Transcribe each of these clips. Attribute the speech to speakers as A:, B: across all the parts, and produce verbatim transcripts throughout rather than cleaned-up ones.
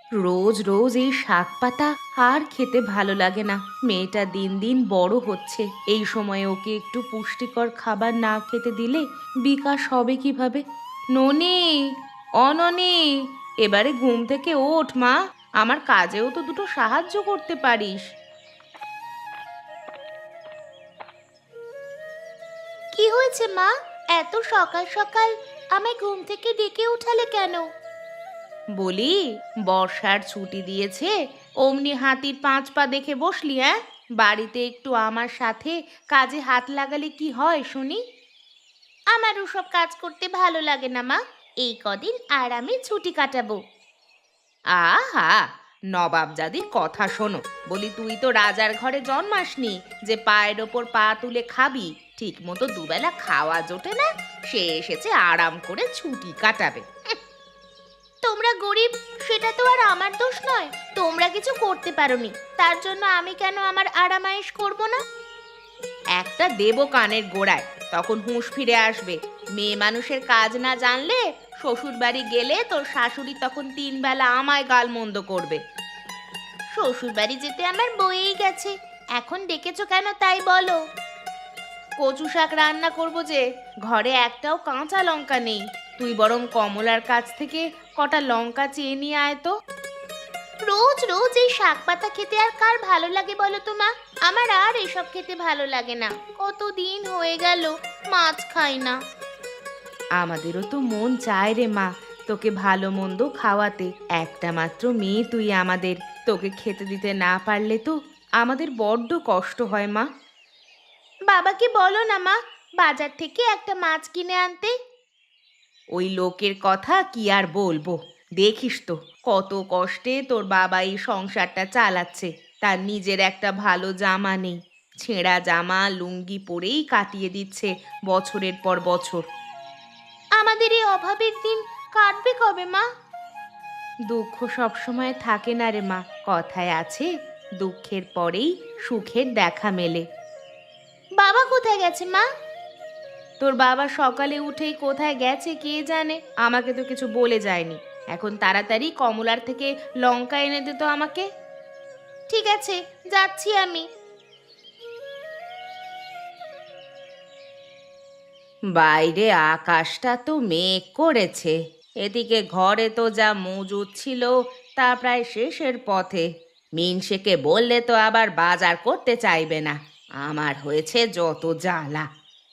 A: রোজ রোজ এই শাক পাতা আর খেতে ভালো লাগে না। মেয়েটা দিন দিন বড় হচ্ছে, এই সময়ে ওকে একটু পুষ্টিকর খাবার না খেতে দিলে বিকাশ হবে কিভাবে? ননি, অননি, এবারে ঘুম থেকে ওঠ মা, আমার কাজেও তো দুটো সাহায্য করতে পারিস।
B: কি হয়েছে মা? এত সকাল সকাল আমায় ঘুম থেকে ডেকে উঠালে কেন?
A: বলি, বর্ষার ছুটি দিয়েছে, অমনি হাতির পাঁচ পা দেখে বসলি? হ্যাঁ, বাড়িতে একটু আমার সাথে কাজে হাত লাগালে কি হয় শুনি?
B: আমার ওসব কাজ করতে ভালো লাগে না মা। এই কদিন আরামে ছুটি কাটাবো।
A: আহা, নবাবজাদির কথা শোনো। বলি, তুই তো রাজার ঘরে জন্মাসনি যে পায়ের ওপর পা তুলে খাবি। ঠিক মতো দুবেলা খাওয়া জোটে না, সে এসেছে আরাম করে ছুটি কাটাবে।
B: তোমরা গরিব, সেটা তো আর আমার দোষ নয়। তোমরা কিছু করতে পারোনি, তার জন্য আমি কেন আমার আরামায়েশ করব না?
A: একটা দেব কানের গোড়ায়, তখন হুঁশ ফিরে আসবে। মেয়ে মানুষের কাজ না জানলে শ্বশুর বাড়ি গেলে তোর শাশুড়ি তখন তিন বেলা আমায় গালমন্দ করবে।
B: শ্বশুর বাড়ি যেতে আমার বয়েই গেছে, এখন ডেকেছো কেন তাই বলো।
A: কচু শাক রান্না করবো যে, ঘরে একটাও কাঁচা লঙ্কা নেই। তুই বরং কমলার কাছ থেকে কটা লঙ্কা চেয়ে নিয়ে আয় তো।
B: রোজ রোজ এই শাক পাতা খেতে আর কার ভালো লাগে বলো তো মা? আমার আর এসব খেতে ভালো লাগে না। কতদিন হয়ে গেল মাছ খাই না।
A: আমাদেরও তো মন চায় রে মা, তোকে ভালো মন্দ খাওয়াতে। একটা মাত্র মেয়ে তুই আমাদের, তোকে খেতে দিতে না পারলে তো আমাদের বড্ড কষ্ট হয় মা।
B: বাবাকে বলো না মা, বাজার থেকে একটা মাছ কিনে আনতে।
A: ওই লোকের কথা কি আর বলবো, দেখিস তো কত কষ্টে তোর বাবা এই সংসারটা চালাচ্ছে। তার নিজের একটা ভালো জামা নেই, ছেঁড়া জামা লুঙ্গি পরেই কাটিয়ে দিচ্ছে বছরের পর বছর।
B: আমাদের এই অভাবের দিন কাটবে কবে মা?
A: দুঃখ সবসময় থাকে না রে মা, কথায় আছে, দুঃখের পরেই সুখের দেখা মেলে।
B: বাবা কোথায় গেছে মা?
A: তোর বাবা সকালে উঠেই কোথায় গেছে কে জানে, আমাকে তো কিছু বলে যায়নি। এখন তাড়াতাড়ি কমলার থেকে লঙ্কা এনে দে তো আমাকে।
B: ঠিক আছে, যাচ্ছি আমি।
A: বাইরে আকাশটা তো মেঘ করেছে, এদিকে ঘরে তো যা মজুদ ছিল তা প্রায় শেষের পথে। মিনসেকে বললে তো আবার বাজার করতে চাইবে না। আমার হয়েছে যত জ্বালা।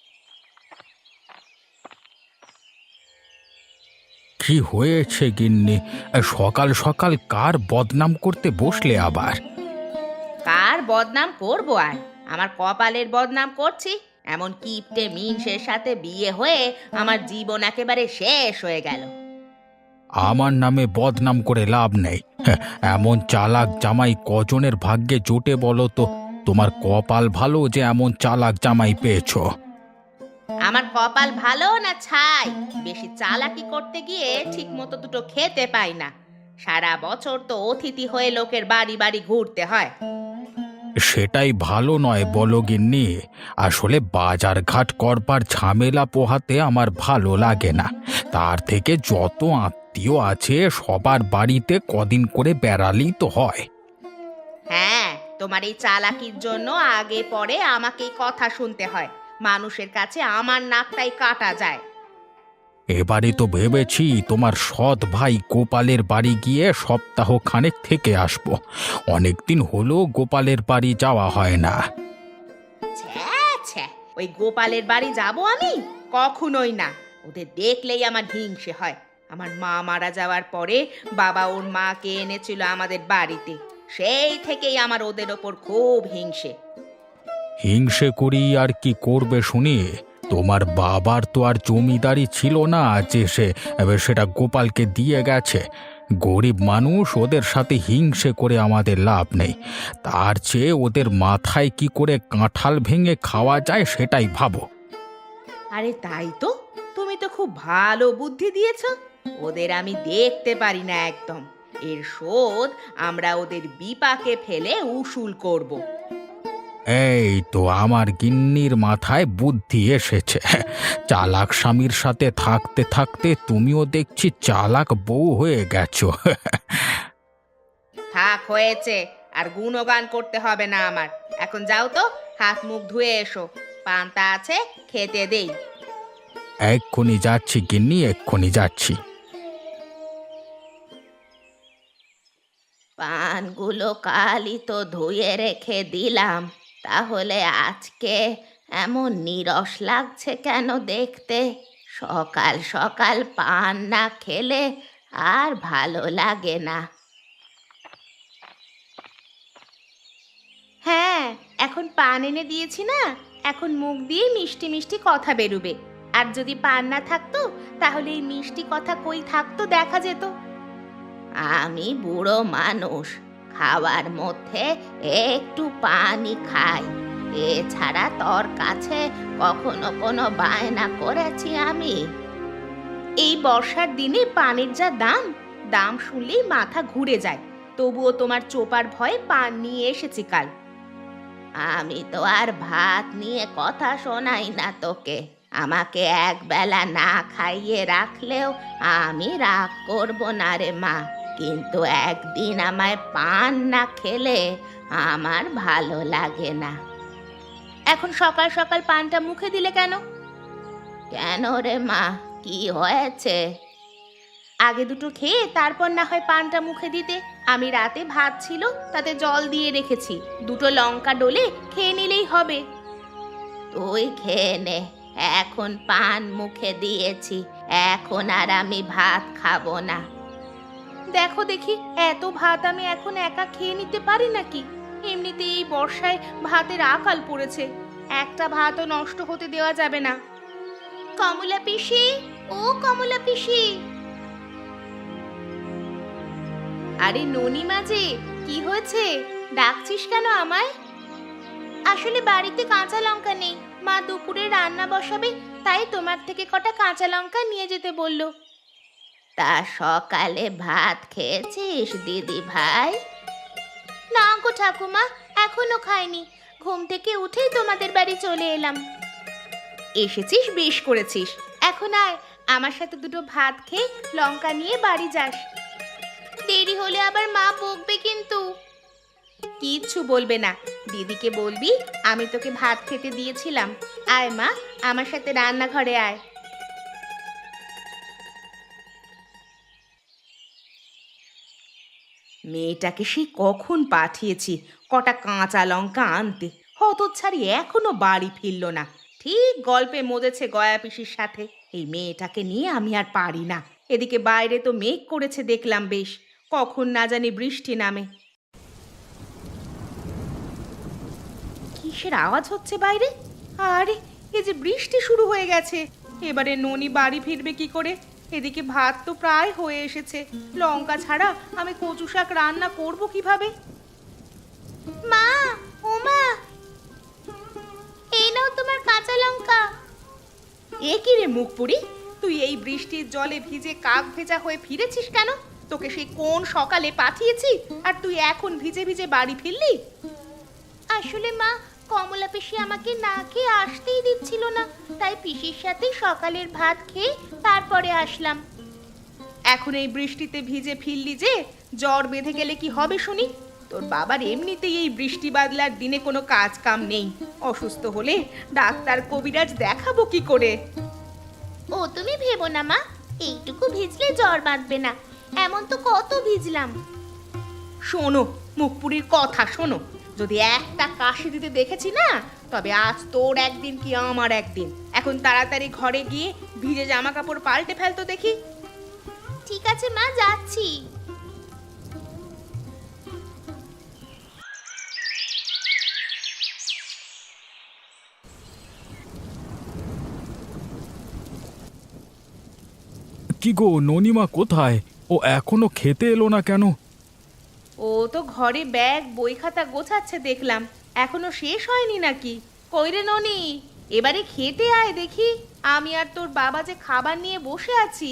C: কি হয়েছে গিন্নি? সকাল সকাল কার বদনাম করতে বসলে আবার?
A: কার বদনাম করবো আর? আমার কপালের বদনাম করছি। এমন কিপটে মিনসের সাথে বিয়ে হয়ে আমার জীবন একেবারে শেষ হয়ে গেল।
C: আমার নামে বদনাম করে লাভ নেই। হ্যাঁ, এমন চালাক জামাই কজনের ভাগ্যে জোটে বলো তো? তোমার কপাল ভালো যে এমন চালাক জামাই পেয়েছো।
A: আমার কপাল ভালো না ছাই? বেশি চালাকি করতে গিয়ে ঠিক মতো দুটো খেতে পাই না। সারা বছর তো অতিথি হয়ে লোকের বাড়ি বাড়ি ঘুরতে হয়।
C: সেটাই ভালো নয় বলো গিন্নি। আসলে বাজার ঘাট করবার ঝামেলা পোহাতে আমার ভালো লাগে না। তার থেকে যত আত্মীয় আছে সবার বাড়িতে কদিন করে বেড়ালেই তো হয়।
A: হ্যাঁ, তোমার এই চালাকির জন্য আগে পরে আমাকেই কথা শুনতে হয়। মানুষের কাছে আমার নাকটাই কাটা যায়।
C: এবারে তো ভেবেছি তোমার সৎ ভাই গোপালের বাড়ি গিয়ে সপ্তাহ খানেক থেকে আসবো। অনেকদিন হলো গোপালের বাড়ি যাওয়া হয় না।
A: ছ্যা ছ্যা, ওই গোপালের বাড়ি যাব আমি? কখনোই না। ওদের দেখলেই আমার হিংসে হয়। আমার মা মারা যাওয়ার পরে বাবা ওর মাকে এনেছিল আমাদের বাড়িতে, সেই থেকেই আমার ওদের ওপর খুব হিংসে।
C: হিংসে করি আর কি করবে শুনি? তোমার বাবার তো আর জমিদারি ছিল না যে সে এবার সেটা গোপালকে দিয়ে গেছে। গরিব মানুষ, ওদের সাথে হিংসে করে আমাদের লাভ নেই। তার চেয়ে ওদের মাথায় কি করে কাঁঠাল ভেঙে খাওয়া যায় সেটাই ভাবো।
A: আরে তাই তো, তুমি তো খুব ভালো বুদ্ধি দিয়েছ। ওদের আমি দেখতে পারি না একদম। এর শোধ আমরা ওদের বিপাকে ফেলে উসুল করব।
C: এই তো আমার গিন্নির মাথায় বুদ্ধি এসেছে। চালাক স্বামীর সাথে থাকতে থাকতে তুমিও দেখছি চালাক বউ হয়ে গেছো।
A: থাক হয়েছে, আর গুণগান করতে হবে না আমার। এখন যাও তো, হাত মুখ ধুয়ে এসো, পান্তা আছে খেতে দেই।
C: এক্ষুনি যাচ্ছি গিন্নি, এক্ষুনি যাচ্ছি।
B: পানগুলো কালই তো ধুয়ে রেখে দিলাম, তাহলে আজকে এমন নীরস লাগছে কেন দেখতে? সকাল সকাল পান না খেলে আর ভালো লাগে না।
A: হ্যাঁ, এখন পান এনে দিয়েছি না, এখন মুখ দিয়ে মিষ্টি মিষ্টি কথা বেরুবে। আর যদি পান না থাকতো, তাহলে এই মিষ্টি কথা কই থাকতো দেখা যেত।
B: আমি বুড়ো মানুষ, খাওয়ার মধ্যে একটু পানি খাই, এছাড়া তোর কাছে কখনো কোনো বায়না করেছি আমি?
A: এই বর্ষার দিনে পানের যা দাম, দাম শুনলেই মাথা ঘুরে যায়। তবুও তোমার চোপার ভয়ে পান নিয়ে এসেছি কাল।
B: আমি তো আর ভাত নিয়ে কথা শোনাই না তোকে, আমাকে একবেলা না খাইয়ে রাখলেও আমি রাগ করব না রে মা, কিন্তু একদিন আমায় পান না খেলে আমার ভালো লাগে না।
A: এখন সকাল সকাল পানটা মুখে দিলে কেন?
B: কেন রে মা, কি হয়েছে?
A: আগে দুটো খেয়ে তারপর না হয় পানটা মুখে দিতে। আমি রাতে ভাত ছিল, তাতে জল দিয়ে রেখেছি, দুটো লঙ্কা ডলে খেয়ে নিলেই হবে।
B: তুই খেয়ে নে, এখন পান মুখে দিয়েছি, এখন আর আমি ভাত খাবো না।
A: দেখো দেখি, এত ভাত আমি এখন একা খেয়ে নিতে পারি নাকি? এমনিতে এই বর্ষায় ভাতের আকাল পড়েছে, একটা ভাতও নষ্ট হতে দেওয়া যাবে না।
B: কমলা পিসি, ও কমলা পিসি।
A: আরে ননিমা যে, কি হয়েছে? ডাকছিস কেন আমায়?
B: আসলে বাড়িতে কাঁচা লঙ্কা নেই, মা দুপুরে রান্না বসাবে, তাই তোমার থেকে কটা কাঁচা লঙ্কা নিয়ে যেতে বলল। তা সকালে ভাত খেয়েছিস দিদি ভাই? না গো ঠাকুমা, এখনো খাইনি, ঘুম থেকে উঠেই তোমাদের বাড়ি চলে এলাম।
A: এসেছিস, বেশ করেছিস। এখন আয়, আমার সাথে দুটো ভাত খেয়ে লঙ্কা নিয়ে বাড়ি যাস।
B: দেরি হলে আবার মা বকবে কিন্তু।
A: কিচ্ছু বলবে না, দিদিকে বলবি আমি তোকে ভাত খেতে দিয়েছিলাম। আয় মা, আমার সাথে রান্নাঘরে আয়। মেয়েটাকে সেই কখন পাঠিয়েছি কটা কাঁচা লঙ্কা আনতে, হতচ্ছাড়ি এখনো বাড়ি ফিরল না। ঠিক গল্পে মজেছে গয়া পিসির সাথে। এই মেয়েটাকে নিয়ে আমি আর পারি না। এদিকে বাইরে তো মেঘ করেছে দেখলাম বেশ, কখন না জানি বৃষ্টি নামে। কিসের আওয়াজ হচ্ছে বাইরে? আরে, এই যে বৃষ্টি শুরু হয়ে গেছে। এবারে ননি বাড়ি ফিরবে কি করে? এদিকে ভাত তো প্রায় হয়ে এসেছে, লঙ্কা ছাড়া আমি কচু শাক রান্না করব কিভাবে?
B: মা, ও মা, এই নাও তোমার কাঁচা লঙ্কা।
A: এ কি রে মুখপুরি, তুই এই বৃষ্টির জলে ভিজে কাক ভেজা হয়ে ফিরেছিস কেন? তোকে সেই কোন সকালে পাঠিয়েছি, আর তুই এখন ভিজে ভিজে বাড়ি ফিরলি?
B: আসলে মা, কমলা পিসি আমাকে না খেয়ে আসতেই দিচ্ছিল না, তাই পিসির সাথে সকালের ভাত খেয়ে তারপরে আসলাম।
A: এখন এই বৃষ্টিতে ভিজে ফিরলি যে, জ্বর বেঁধে গেলে কি হবে শুনি? তোর বাবার এমনিতেই এই বৃষ্টি বাদলার দিনে কোনো কাজ কাম নেই, অসুস্থ হলে ডাক্তার কবিরাজ দেখাবো কি করে?
B: ও তুমি ভেবো না মা, এইটুকু ভিজলে জ্বর বাঁধবে না, এমন তো কত ভিজলাম।
A: শোনো, মুখপুরীর কথা শোনো, যদি একটা কাশি দিতে দেখেছি না, তবে আজ তোর একদিন কি আমার একদিন। এখন তাড়াতাড়ি ঘরে গিয়ে ভিজে জামা কাপড় পাল্টে ফেলতো দেখি।
B: ঠিক আছে মা, যাচ্ছি।
C: কি গো, ননিমা কোথায়? ও এখনো খেতে এলো না কেন?
A: ও তো ঘরে ব্যাগ বই খাতা গোছাচ্ছে দেখলাম, এখনো শেষ হয়নি নাকি? কই রে ননি, এবারে খেতে আয় দেখি, আমি আর তোর বাবা যে খাবার নিয়ে বসে আছি।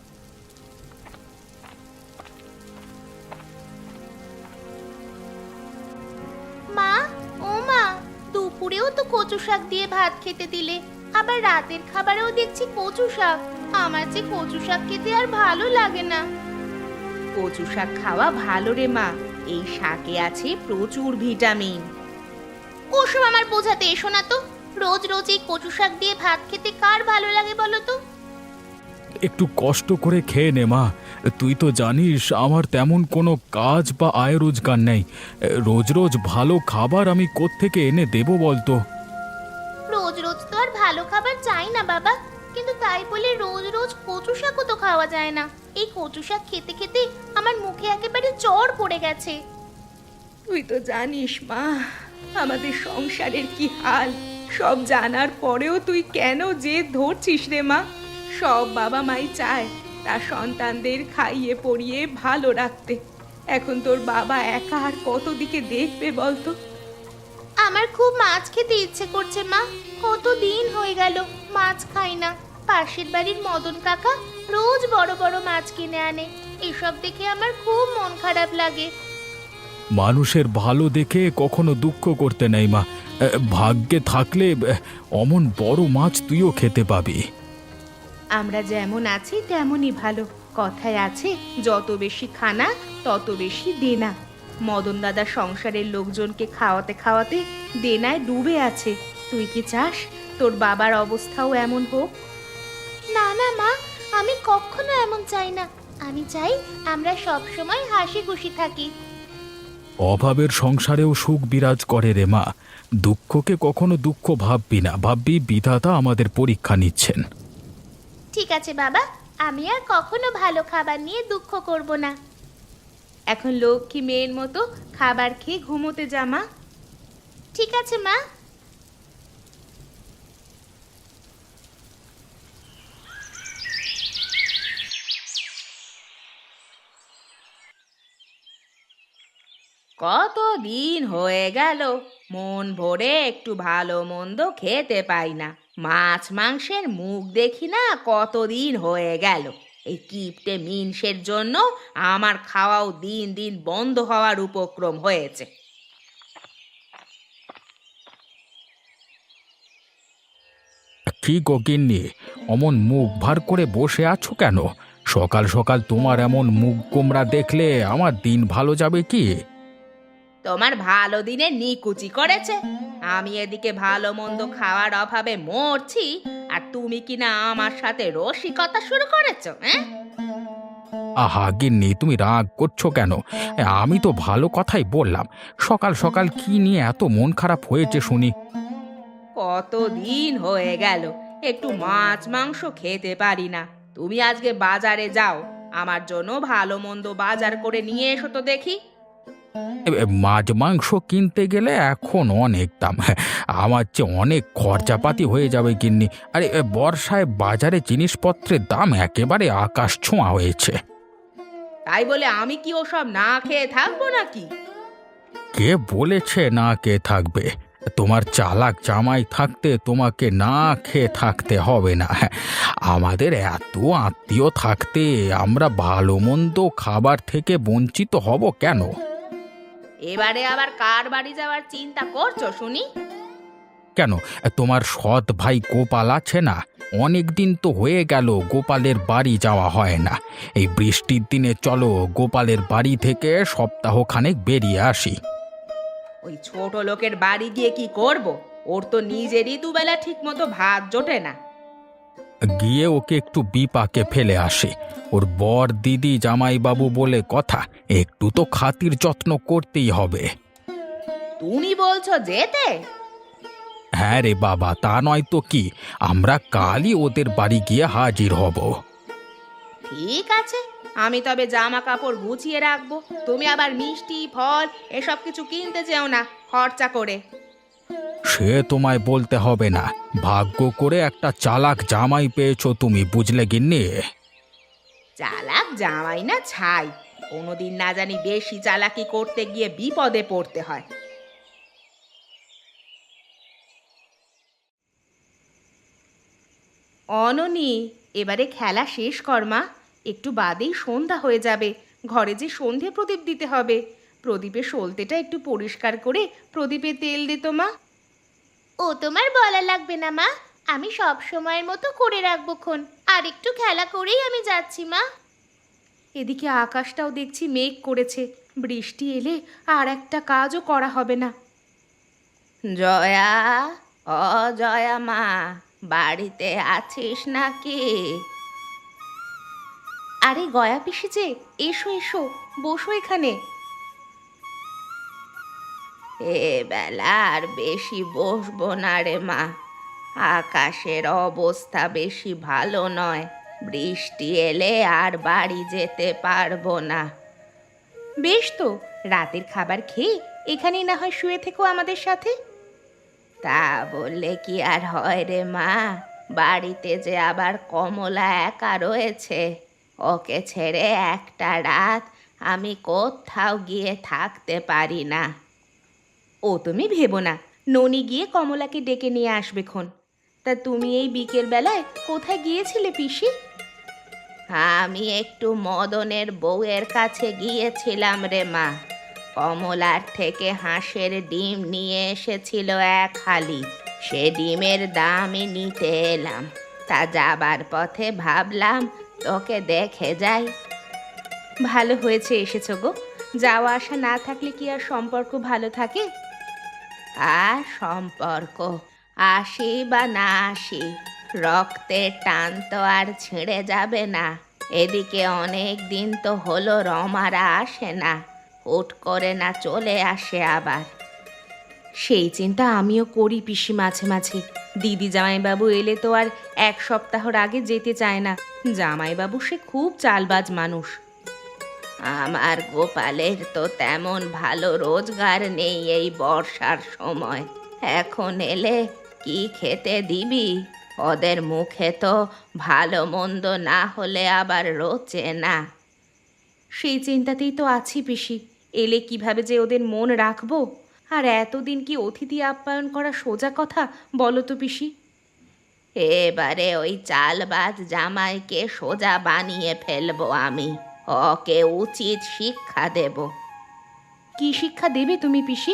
B: মা, ও মা, দুপুরেও তো কচু শাক দিয়ে ভাত খেতে দিলে, আবার রাতের খাবারেও দেখছি কচু শাক। আমার যে কচু শাক খেতে আর ভালো লাগে না।
A: কচু শাক খাওয়া ভালো রে মা, এই শাকে আছে প্রচুর ভিটামিন।
B: ওসব আমার বোঝাতে এসো না তো। রোজ রোজ এই কচু শাক দিয়ে ভাত খেতে কার ভালো লাগে বলো তো?
C: একটু কষ্ট করে খেয়ে নে মা। তুই তো জানিস আমার তেমন কোনো কাজ বা আয় রোজগার নেই। রোজ রোজ ভালো খাবার আমি কোত্থেকে এনে দেবো বলতো?
B: রোজ রোজ তো আর ভালো খাবার চাই না বাবা, কিন্তু তাই বলে রোজ রোজ কচু শাকও তো খাওয়া যায় না। এই কচু শাক খেতে খেতে আমার মুখে একেবারে চড় পড়ে গেছে।
A: তুই তো জানিস মা, আমাদের সংসারের কি হাল। সব জানার পরেও তুই কেন যে ধরছিস রে মা? সব বাবা মাই চায় তার সন্তানদের খাইয়ে পরিয়ে ভালো রাখতে। এখন তোর বাবা একা আর কত দিকে দেখবে বলতো?
B: আমার খুব মাছ খেতে ইচ্ছে করছে মা। কত দিন হয়ে গেল মাছ খাই না। পাশের বাড়ির মদন কাকা রোজ বড় বড় মাছ কিনে আনে। এসব দেখে আমার খুব মন খারাপ লাগে।
C: মানুষের ভালো দেখে কখনো দুঃখ করতে নেই মা। ভাগ্যে থাকলে অমন বড় মাছ তুইও খেতে পাবি।
A: আমরা যেমন আছি তেমনই ভালো। কথায় আছে, যত বেশি খানা তত বেশি দেনা। মদন দাদা সংসারের লোকজনকে খাওয়াতে খাওয়াতে দেনায় ডুবে আছে। তুই কি চাস তোর বাবার অবস্থাও এমন হোক?
B: না না মা, আমি কখনো এমন চাই না। আমি চাই আমরা সব সময় হাসি খুশি থাকি।
C: অভাবের সংসারেও সুখ বিরাজ করে রে মা। দুঃখকে কখনো দুঃখ ভাববি না, ভাববি বিধাতা আমাদের পরীক্ষা নিচ্ছেন।
B: ঠিক আছে বাবা, আমি আর কখনো ভালো খাবার নিয়ে দুঃখ করব না।
A: এখন লক্ষ্মী মেয়ের মতো খাবার খেয়ে ঘুমোতে যা মা।
B: ঠিক আছে মা।
A: কত দিন হয়ে গেল মন ভরে একটু ভালো মন্দ খেতে পাই না। মাছ মাংসের মুখ দেখি না কতদিন হয়ে গেল। এই কিপটে মিনসের জন্য আমার খাওয়াও দিন দিন বন্ধ হওয়ার উপক্রম হয়েছে।
C: কি গো গিন্নি, অমন মুখ ভার করে বসে আছো কেন? সকাল সকাল তোমার এমন মুখ গোমরা দেখলে আমার দিন ভালো যাবে কি?
A: তোমার ভালো দিনে নিকুচি করেছে। আমি এদিকে ভালো মন্দ খাওয়ার অভাবে মরছি, আর তুমি কিনা আমার সাথে রসিকতা শুরু করেছো। হ্যাঁ,
C: আহা গিন্নি, তুমি রাগ করছো কেন? আমি তো ভালো কথাই বললাম। সকাল সকাল কি নিয়ে এত মন খারাপ হয়েছে শুনি?
A: কত দিন হয়ে গেল একটু মাছ মাংস খেতে পারি না। তুমি আজকে বাজারে যাও, আমার জন্য ভালো মন্দ বাজার করে নিয়ে এসো তো দেখি।
C: এ, এ, মাছ মাংস কিনতে গেলে এখন অনেক দাম। আমার চেয়ে অনেক খরচাপাতি হয়ে যাবে গিন্নি। আরে এ, বর্ষায় বাজারে জিনিসপত্রের দাম একেবারে আকাশ ছোঁয়া হয়েছে।
A: তাই বলে আমি কি ওসব না খেয়ে থাকবো নাকি?
C: কে বলেছে না কে থাকবে? তোমার চালাক জামাই থাকতে তোমাকে না খেয়ে থাকতে হবে না। আমাদের এত আত্মীয় থাকতে আমরা ভালো মন্দ খাবার থেকে বঞ্চিত হব কেন?
A: এবারে আবার কার বাড়ি যাওয়ার চিন্তা করছো শুনি?
C: কেন, তোমার সৎ ভাই গোপাল আছে না? অনেক দিন তো হয়ে গেল গোপালের বাড়ি যাওয়া হয় না। এই বৃষ্টির দিনে চলো গোপালের বাড়ি থেকে সপ্তাহখানেক বেরিয়ে আসি।
A: ওই ছোট লোকের বাড়ি গিয়ে কি করব? ওর তো নিজেরই দুবেলা ঠিক মতো ভাত জোটে না।
C: গিয়ে ওকে একটু বিপাকে ফেলে আসে। ওর বর দিদি জামাইবাবু বলে কথা, একটু তো খাতির যত্ন করতেই হবে।
A: তুমি বলছো যেতে?
C: হ্যাঁ রে বাবা, তা নয় তো কি। আমরা কালই ওদের বাড়ি গিয়ে হাজির হব।
A: ঠিক আছে, আমি তবে জামা কাপড় গুছিয়ে রাখবো। তুমি আবার মিষ্টি ফল এসব কিছু কিনতে যেও না খরচা করে।
C: সে তোমায় বলতে হবে না। ভাগ্য করে একটা চালাক জামাই পেয়েছো তুমি, বুঝলে গিন্নি?
A: চালাক জামাই না ছাই, কোনোদিন না জানি বেশি চালাকি করতে গিয়ে বিপদে পড়তে হয়। অননি, এবারে খেলা শেষ কর মা। একটু বাদেই সন্ধ্যা হয়ে যাবে। ঘরে যে সন্ধে প্রদীপ দিতে হবে। প্রদীপের সলতেটা একটু পরিষ্কার করে প্রদীপে তেল দিত মা।
B: ও তোমার বলা লাগবে না মা, আমি সব সময়ের মতো করে রাখবো খন। আর একটু খেলা করেই আমি যাচ্ছি মা।
A: এদিকে আকাশটাও দেখছি মেঘ করেছে, বৃষ্টি এলে আর একটা কাজও করা হবে না।
B: জয়া, ও জয়া মা, বাড়িতে আছিস নাকি?
A: আরে গয়া পিসি যে, এসো এসো, বসো এখানে।
B: এ বেলা আর বেশি বসবো না রে মা, আকাশের অবস্থা বেশি ভালো নয়, বৃষ্টি এলে আর বাড়ি যেতে পারবো না।
A: বেশ তো, রাতের খাবার খেয়ে এখানেই না হয় শুয়ে থেকো আমাদের সাথে।
B: তা বললে কি আর হয় রে মা, বাড়িতে যে আবার কমলা একা রয়েছে, ওকে ছেড়ে একটা রাত আমি কোথাও গিয়ে থাকতে পারি না।
A: ও তুমি ভেবো না, ননি গিয়ে কমলাকে ডেকে নিয়ে আসবে খন। তা তুমি এই বিকেল বেলায় কোথায় গিয়েছিলে পিসি?
B: আমি একটু মদনের বউয়ের কাছে গিয়েছিলাম রে মা, কমলার থেকে হাঁসের ডিম নিয়ে এসেছিল এক হালি, সে ডিমের দামই নিতে এলাম। তা যাবার পথে ভাবলাম তোকে দেখে যাই।
A: ভালো হয়েছে এসেছো গো, যাওয়া আসা না থাকলে কি আর সম্পর্ক ভালো থাকে?
B: আর সম্পর্ক আসি বা না আসি, রক্তের টান তো আর ছিঁড়ে যাবে না। এদিকে অনেক দিন তো হলো রমারা আসে না, হুট করে না চলে আসে আবার।
A: সেই চিন্তা আমিও করি পিসি মাঝে মাঝে। দিদি জামাইবাবু এলে তো আর এক সপ্তাহর আগে যেতে চায় না। জামাইবাবু সে খুব চালবাজ মানুষ।
B: আমার গোপালের তো তেমন ভালো রোজগার নেই এই বর্ষার সময়, এখন এলে কি খেতে দিবি? ওদের মুখে তো ভালো মন্দ না হলে আবার রোচে না।
A: সেই চিন্তাতেই তো আছি পিসি, এলে কিভাবে যে ওদের মন রাখবো। আর এতদিন কি অতিথি আপ্যায়ন করা সোজা কথা বলো তো পিসি?
B: এবারে ওই চালবাজ জামাইকে সোজা বানিয়ে ফেলবো আমি, ওকে উচিত শিক্ষা দেব।
A: কি শিক্ষা দেবে তুমি পিসি?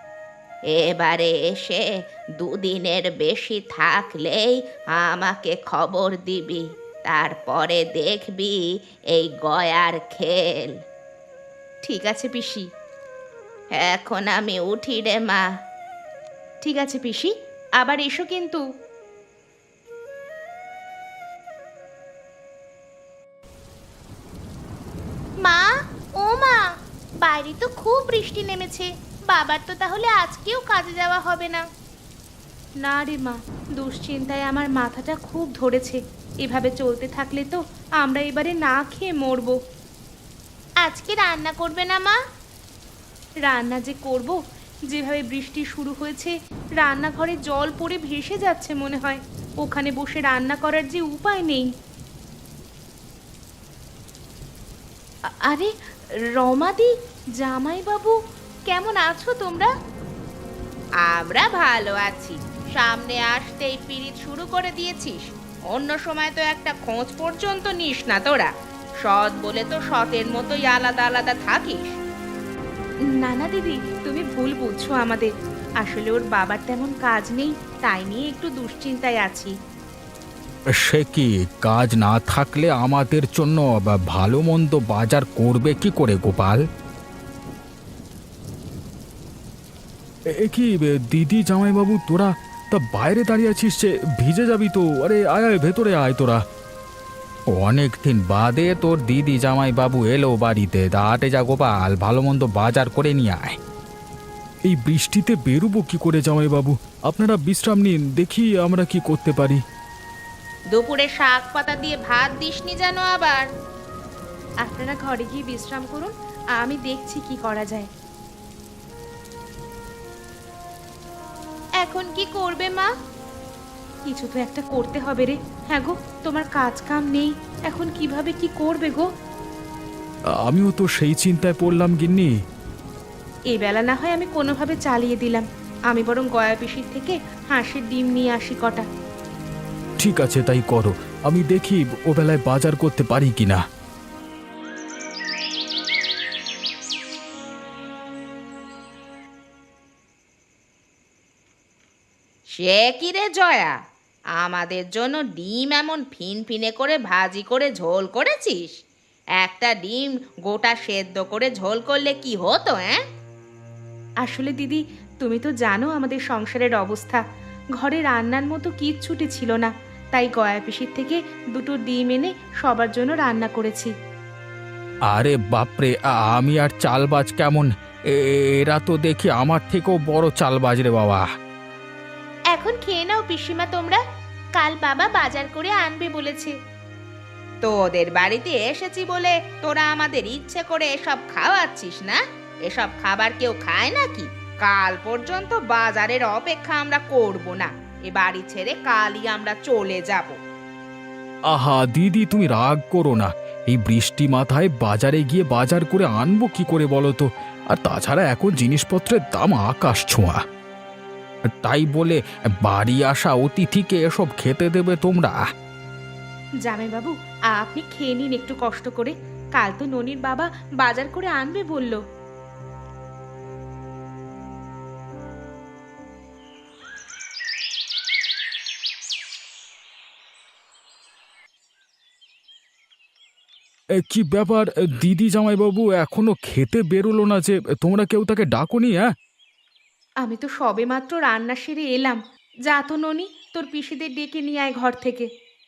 B: এবারে এসে দুদিনের বেশি থাকলেই আমাকে খবর দিবি, তারপরে দেখবি এই গয়ার খেল।
A: ঠিক আছে পিসি।
B: এখন আমি উঠি রে মা।
A: ঠিক আছে পিসি, আবার এসো কিন্তু।
B: মা, ও মা, বাইরে তো খুব বৃষ্টি নেমেছে, বাবার তো তাহলে আজকেও কাজে যাওয়া হবে না।
A: না রে মা, দুশ্চিন্তায় আমার মাথাটা খুব ধরেছে। এভাবে চলতে থাকলে তো আমরা এবারে না খেয়ে মরবো।
B: আজকে রান্না করবে না মা?
A: রান্না যে করব, যেভাবে বৃষ্টি শুরু হয়েছে রান্নাঘরে জল পড়ে ভেসে যাচ্ছে মনে হয়। ওখানে বসে রান্না করার যে উপায় নেই। আ- আরে রমাদি, জামাইবাবু, কেমন আছো তোমরা?
B: আমরা ভালো আছি, সামনে আসতেই পিরিত শুরু করে দিয়েছিস। অন্য সময় তো একটা খোঁজ পর্যন্ত নিস না তোরা, সৎ বলে তো সতের মতোই আলাদা আলাদা থাকিস।
A: না না দিদি, তুমি ভুল বুঝছো আমাদের। আসলে ওর বাবার তেমন কাজ নেই, তাই নিয়ে একটু দুশ্চিন্তায় আছি।
C: সে কি, কাজ না থাকলে আমাদের জন্য বা ভালো মন্দ বাজার করবে কি করে গোপাল? এ কি বে, দিদি জামাইবাবু তোরা তা বাইরে দাঁড়িয়ে আছিস যে, ভিজে যাবি তো। আরে আয় আয়, ভেতরে আয় তোরা। অনেক দিন বাদে তোর দিদি জামাইবাবু এলো বাড়িতে, দাঁড়াতে যা গোপাল, ভালো মন্দ বাজার করে নিয়ে আয়। এই বৃষ্টিতে বেরোবো কি করে জামাইবাবু? আপনারা বিশ্রাম নিন, দেখি আমরা কি করতে পারি।
B: দুপুরে শাক পাতা দিয়ে ভাত দিসনি যেন আবার।
A: আপনারা ঘরে গিয়ে বিশ্রাম করুন, আমি দেখছি কি করা যায়।
B: এখন কি করবে মা?
A: কিছু তো একটা করতে হবে রে। হ্যাঁ গো, তোমার কাজ কাম নেই, এখন কিভাবে কি করবে গো?
C: আমিও তো সেই চিন্তায় পড়লাম গিন্নি।
A: এই বেলা না হয় আমি কোনোভাবে চালিয়ে দিলাম। আমি বরং গয়া পিসির থেকে হাঁসের ডিম নিয়ে আসি কটা।
C: ঠিক আছে, তাই করো। আমি দেখি ও বেলায় বাজার করতে পারি কিনা।
B: সে কি রে জয়া, আমাদের জন্য ডিম এমন ফিনফিনে করে ভাজি করে ঝোল করেছিস? একটা ডিম গোটা সেদ্ধ করে ঝোল করলে কি হতো? হ্যাঁ,
A: আসলে দিদি, তুমি তো জানো আমাদের সংসারের অবস্থা। ঘরে রান্নার মতো কিচ্ছুটি ছিল না, তাই গয়া পিসির থেকে দুটো ডিম এনে সবার জন্য রান্না করেছি।
C: আরে বাপরে, আ- আমি আর চালবাজ কেমন! এ- এরা তো দেখি আমার থেকেও বড় চালবাজ রে বাবা।
B: এখন খেয়ে নাও পিসিমা তোমরা, কাল বাবা বাজার করে আনবে বলেছে। তোদের বাড়িতে এসেছি বলে তোরা আমাদের ইচ্ছে করে এসব খাওয়াচ্ছিস না? এসব খাবার কেউ খায় নাকি? কাল পর্যন্ত বাজারের অপেক্ষা আমরা করব না, এ বাড়ি ছেড়ে কালই আমরা চলে যাব।
C: আহা দিদি, তুমি রাগ করো না। এই বৃষ্টি মাথায় বাজারে গিয়ে বাজার করে আনবো কি করে বলো তো? আর তাছাড়া এখন জিনিসপত্রের দাম আকাশ ছোঁয়া। তাই বলে বাড়ি আসা অতিথিকে এসব খেতে দেবে তোমরা?
A: জামাইবাবু, আপনি খেয়ে নিন একটু কষ্ট করে, কাল তো ননির বাবা বাজার করে আনবে বলল।
C: এ, কি ব্যাপার দিদি, জামাইবাবু এখনো খেতে বেরোলো না যে? তোমরা কেউ তাকে ডাকোনি? হ্যাঁ,
A: আমি তো সবেমাত্র রান্না সেরে এলাম। যা তো ননি, তোর পিসিদের ডেকে নিয়ে আয় ঘর থেকে।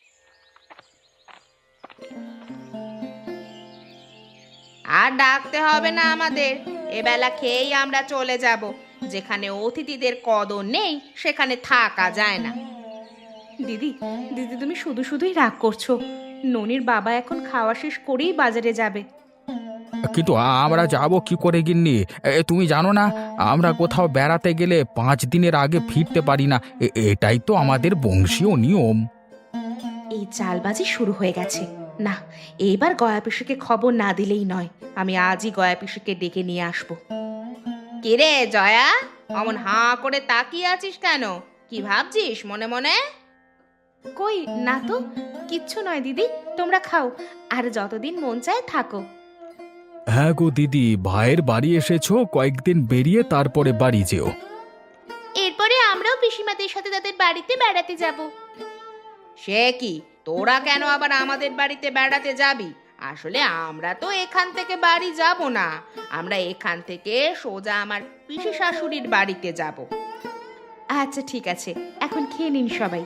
B: আর ডাকতে হবে না আমাদের, এবেলা খেয়েই আমরা চলে যাব। যেখানে অতিথিদের কদর নেই সেখানে থাকা যায় না।
A: দিদি, দিদি তুমি শুধু শুধুই রাগ করছো। ননির বাবা এখন খাওয়া শেষ করেই বাজারে যাবে।
C: কিন্তু আমরা যাব কি করে গিন্নি? এ, তুমি জানো না, আমরা কোথাও বেড়াতে গেলে পাঁচ দিনের আগে ফিরতে পারি না। এ- এটাই তো আমাদের বংশীয় নিয়ম।
A: এই চালবাজি শুরু হয়ে গেছে। না, এইবার গয়া পিসিকে খবর না দিলেই নয়। আমি আজই গয়া পিসিকে ডেকে নিয়ে আসবো।
B: কিরে জয়া, অমন হাঁ করে তাকিয়ে আছিস কেন? কি ভাবছিস মনে মনে?
A: কই না তো, কিচ্ছু নয় দিদি, তোমরা খাও আর যতদিন মন চায় থাকো।
C: হ্যাঁ গো দিদি, ভাইয়ের বাড়ি এসেছো, কয়েকদিন বেরিয়ে তারপরে বাড়ি যেও।
B: এরপরে আমরাও পিসিমাদের সাথে তাদের বাড়িতে বেড়াতে যাব। সে কি, তোরা কেন আবার আমাদের বাড়িতে বেড়াতে যাবি? আসলে আমরা তো এখান থেকে বাড়ি যাব না, আমরা এখান থেকে সোজা আমার পিসি শাশুড়ির বাড়িতে যাব।
A: আচ্ছা ঠিক আছে, এখন খেয়ে নিন সবাই।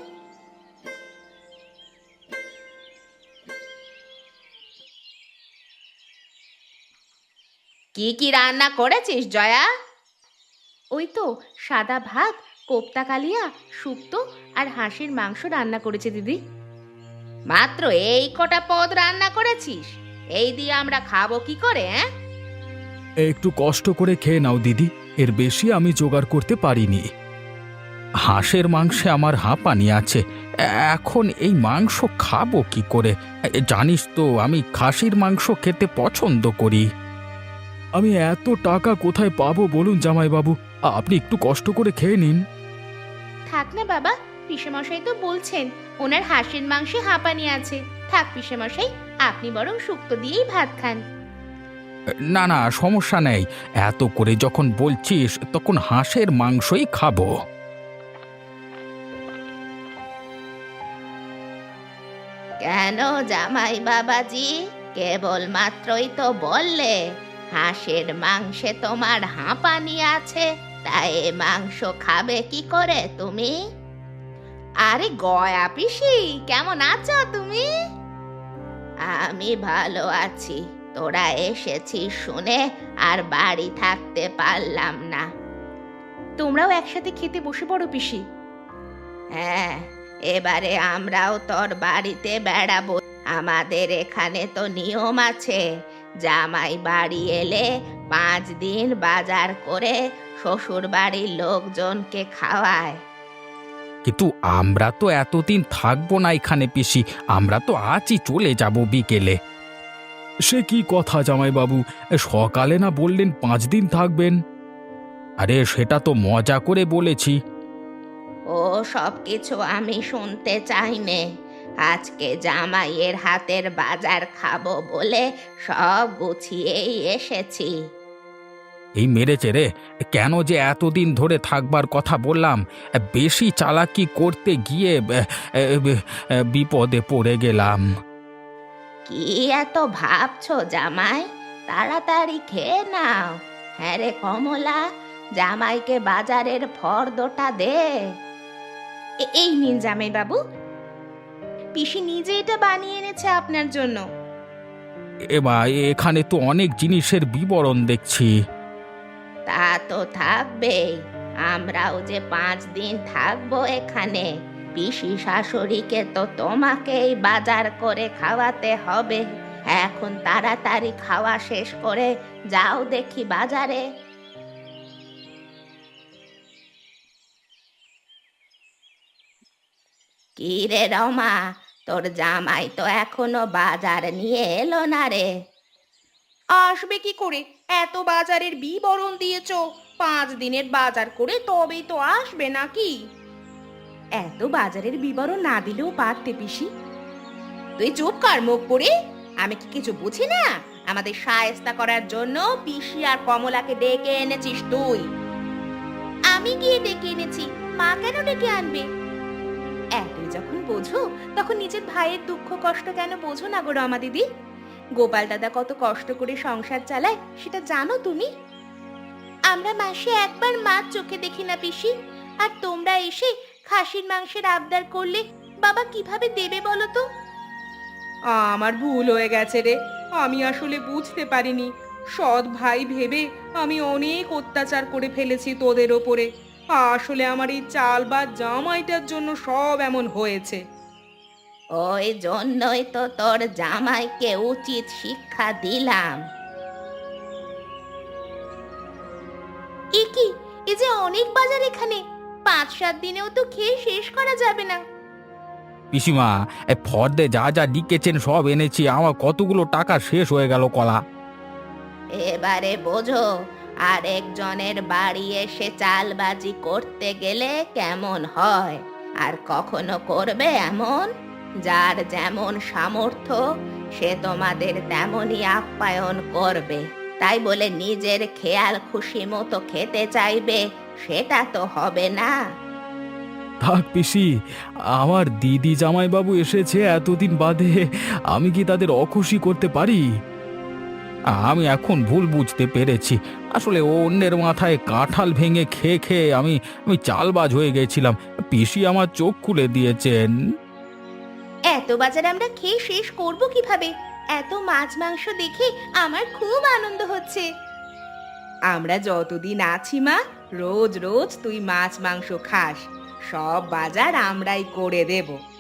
B: কি কি রান্না করেছিস জয়া?
A: ওই তো সাদা ভাত, কোপ্তা কালিয়া, শুক্তো আর হাঁসের মাংস রান্না করেছে দিদি।
B: মাত্র এই কটা পদ রান্না করেছিস? এই দিয়ে আমরা খাবো কি করে? হ্যাঁ,
C: একটু কষ্ট করে খেয়ে নাও দিদি, এর বেশি আমি জোগাড় করতে পারিনি। হাঁসের মাংসে আমার হাঁপানি আছে, এখন এই মাংস খাবো কি করে? জানিস তো আমি খাসির মাংস খেতে পছন্দ করি। আমি এত টাকা কোথায় পাবো বলুন জামাইবাবু? আপনি একটু কষ্ট করে খেয়ে নিন।
B: থাক না বাবা, পিসেমশাই তো বলছেন ওনার হাঁসের মাংসে হাঁপানি আছে। থাক পিসেমশাই, আপনি বরং শুক্তো দিয়েই ভাত খান।
C: না না, সমস্যা নেই, এত করে যখন বলছিস তখন হাঁসের মাংসই খাবো।
B: কেন জামাই বাবাজি, কেবল মাত্রই তো বললে হাঁসের মাংসে তোমার হাঁপানি আছে, তাই এ মাংস খাবে কি করে তুমি? আরে গয়া পিসি, কেমন আছো তুমি? আমি ভালো আছি, তোরা এসেছিস শুনে আর বাড়ি থাকতে পারলাম না।
A: তোমরাও একসাথে খেতে বসে পড়ো পিসি।
B: হ্যাঁ, এবারে আমরাও তোর বাড়িতে বেড়াবো। আমাদের এখানে তো নিয়ম আছে, জামাই বাড়ি এলে পাঁচ দিন বাজার করে শ্বশুর বাড়ির লোকজনকে খাওয়ায়।
C: কিন্তু আমরা তো এতদিন থাকবো না এখানে পিসি, আমরা তো আজই চলে যাব বিকেলে। সে কি কথা জামাইবাবু, সকালে না বললেন পাঁচ দিন থাকবেন? আরে সেটা তো মজা করে বলেছি।
B: ও সব কিছু আমি শুনতে চাই নে, আজকে জামাইয়ের হাতের বাজার খাবো বলে সব গুছিয়েই এসেছি।
C: এই মেরেছে রে, কেন যে এতদিন ধরে থাকবার কথা বললাম, বেশি চালাকি করতে গিয়ে এ, এ, এ, বিপদে পড়ে গেলাম।
B: কি এত ভাবছো জামাই? তাড়াতাড়ি খেয়ে নাও। হ্যাঁ রে কমলা, জামাইকে বাজারের ফর্দটা দে।
A: এ- এই নিন জামাই বাবু, পিসি নিজে এটা বানিয়ে এনেছে আপনার জন্য।
C: এমা, এখানে তো অনেক জিনিসের বিবরণ দেখছি।
B: তা তো থাকবেই, আমরাও যে পাঁচ দিন থাকবো এখানে। পিসি শাশুড়িকে তো তোমাকেই বাজার করে খাওয়াতে হবে। এখন তাড়াতাড়ি খাওয়া শেষ করে যাও দেখি বাজারে। কি রে রমা, তোর জামাই তো এখনো বাজার নিয়ে এলো না রে?
A: আসবে কি করে? এত বাজারের বিবরণ দিয়েছো, পাঁচ দিনের বাজার করে তবেই তো আসবে নাকি? এত বাজারের বিবরণ না দিলেও পারতে পিসি। তুই চুপ কর মুখ পুরি, আমি কি কিছু বুঝি না? আমাদের শায়েস্তা করার জন্য পিসি আর কমলাকে ডেকে এনেছিস তুই।
B: আমি গিয়ে ডেকে এনেছি, মা কেন ডেকে আনবে?
A: এতই যখন বোঝো, তখন নিজের ভাইয়ের দুঃখ কষ্ট কেন বোঝো না গো রমা দিদি? গোপাল দাদা কত কষ্ট করে সংসার চালায় সেটা জানো তুমি?
B: আমরা মাসে একবার মাছ চোখে দেখি না পিসি, আর তোমরা এসে খাসির মাংসের আবদার করলে বাবা কিভাবে দেবে বলো তো?
A: আমার ভুল হয়ে গেছে রে, আমি আসলে বুঝতে পারিনি। সৎ ভাই ভেবে আমি অনেক অত্যাচার করে ফেলেছি তোদের ওপরে। আসলে আমার এই চাল বা জামাইটার জন্য সব এমন হয়েছে।
B: ওই জন্যই তো তোর জামাইকে উচিত শিক্ষা দিলাম। এ কি, এ যে অনেক বাজার এখানে, পাঁচ সাত দিনেও তো খেয়ে শেষ করা যাবে না।
C: পিসিমা, এ ফর্দে যা যা লিখেছেন সব এনেছি, আমার কতগুলো টাকা শেষ হয়ে গেল কলা।
B: এবারে বোঝো, আরেকজনের বাড়ি এসে চালবাজি করতে গেলে কেমন হয়। আর কখনো করবে এমন? যার যেমন সামর্থ্য সে তোমাদের তেমনই আপ্যায়ন করবে। তাই বলে নিজের খেয়াল খুশি মতো খেতে চাইবে, সেটা তো হবে না।
C: থাক পিসি, আমার দিদি জামাইবাবু এসেছে এতদিন বাদে, আমি কি তাদের অখুশি করতে পারি? আমি এখন ভুল বুঝতে পেরেছি। আসলে অন্যের মাথায় কাঁঠাল ভেঙে খেয়ে খেয়ে আমি আমি চালবাজ হয়ে গেছিলাম। পিসি আমার চোখ খুলে দিয়েছেন।
B: এত বাজার আমরা খেয়ে শেষ করব কিভাবে? এত মাছ মাংস দেখে আমার খুব আনন্দ হচ্ছে।
A: আমরা যতদিন আছি মা, রোজ রোজ তুই মাছ মাংস খাস, সব বাজার আমরাই করে দেব।